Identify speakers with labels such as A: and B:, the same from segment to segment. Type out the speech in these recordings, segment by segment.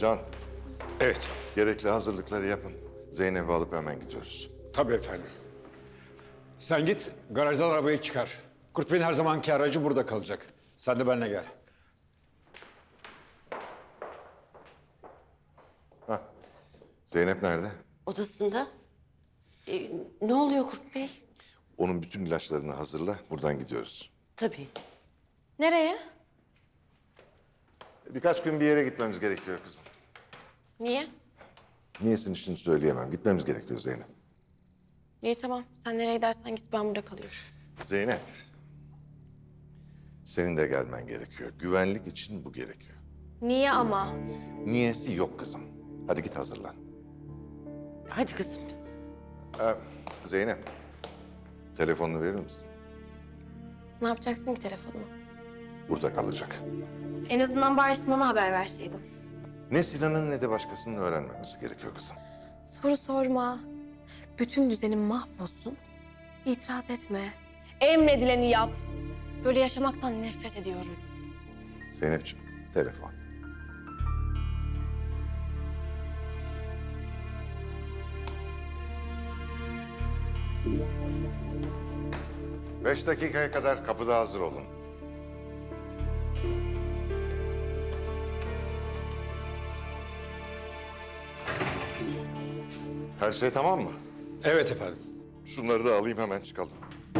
A: Can,
B: Evet,
A: gerekli hazırlıkları yapın. Zeynep'i alıp hemen gidiyoruz.
B: tabii efendim. Sen git, garajdan arabayı çıkar. Kurt Bey'in her zamanki aracı burada kalacak. Sen de benimle gel.
A: Zeynep nerede?
C: Odasında. Ne oluyor Kurt Bey?
A: Onun bütün ilaçlarını hazırla, buradan gidiyoruz.
C: Tabii.
D: Nereye?
A: Birkaç gün bir yere gitmemiz gerekiyor kızım.
D: Niye?
A: Niyesini şimdi söyleyemem. Gitmemiz gerekiyor Zeynep.
D: İyi tamam. Sen nereye gidersen git, ben burada kalıyorum.
A: Zeynep, senin de gelmen gerekiyor. Güvenlik için bu gerekiyor.
D: Niye ama?
A: Niyesi yok kızım. Hadi git hazırlan.
C: Hadi kızım.
A: Zeynep, telefonunu verir misin?
D: Ne yapacaksın ki telefonumu?
A: Burada kalacak.
D: En azından bari Sinan'a haber verseydim.
A: Ne Sinan'ın ne de başkasının öğrenmemesi gerekiyor kızım.
D: Soru sorma. Bütün düzenim mahvolsun. İtiraz etme. Emredileni yap. Böyle yaşamaktan nefret ediyorum.
A: Zeynep'ciğim, telefon. Beş dakikaya kadar kapıda hazır olun. Her şey tamam mı?
B: Evet efendim.
A: Şunları da alayım, hemen çıkalım.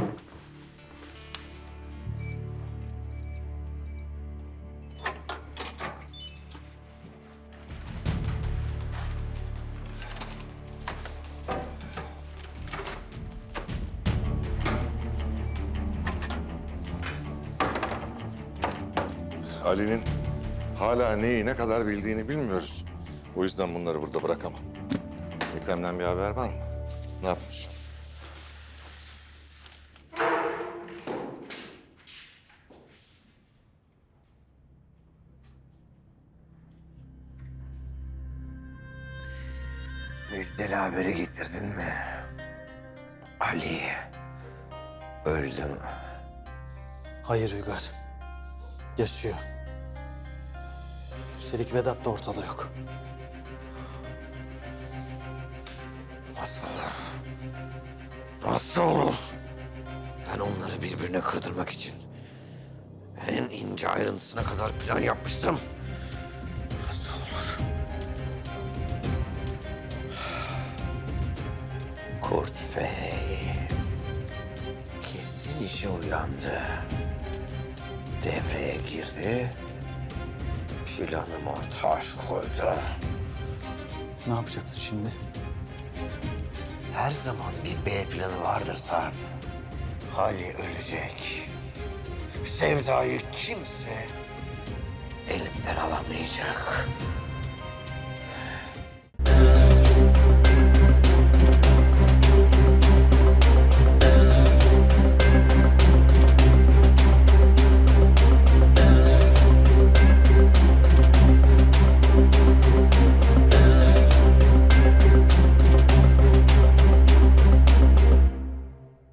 A: Ali'nin hala neyi ne kadar bildiğini bilmiyoruz. O yüzden bunları burada bırakamam. Ekrem'den bir haber var mı? Ne yapmış?
E: Müjdeli haberi getirdin mi? Ali öldü mü?
F: Hayır Uygar. Yaşıyor. Üstelik Vedat da ortada yok.
E: Nasıl olur? Nasıl olur? Ben onları birbirine kırdırmak için en ince ayrıntısına kadar plan yapmıştım. Nasıl olur? Kurt Bey kesin işe uyandı. Devreye girdi. Planıma taş koydu.
F: Ne yapacaksın şimdi?
E: Her zaman bir B planı vardır Sarp. Hali ölecek. Sevda'yı kimse elimden alamayacak.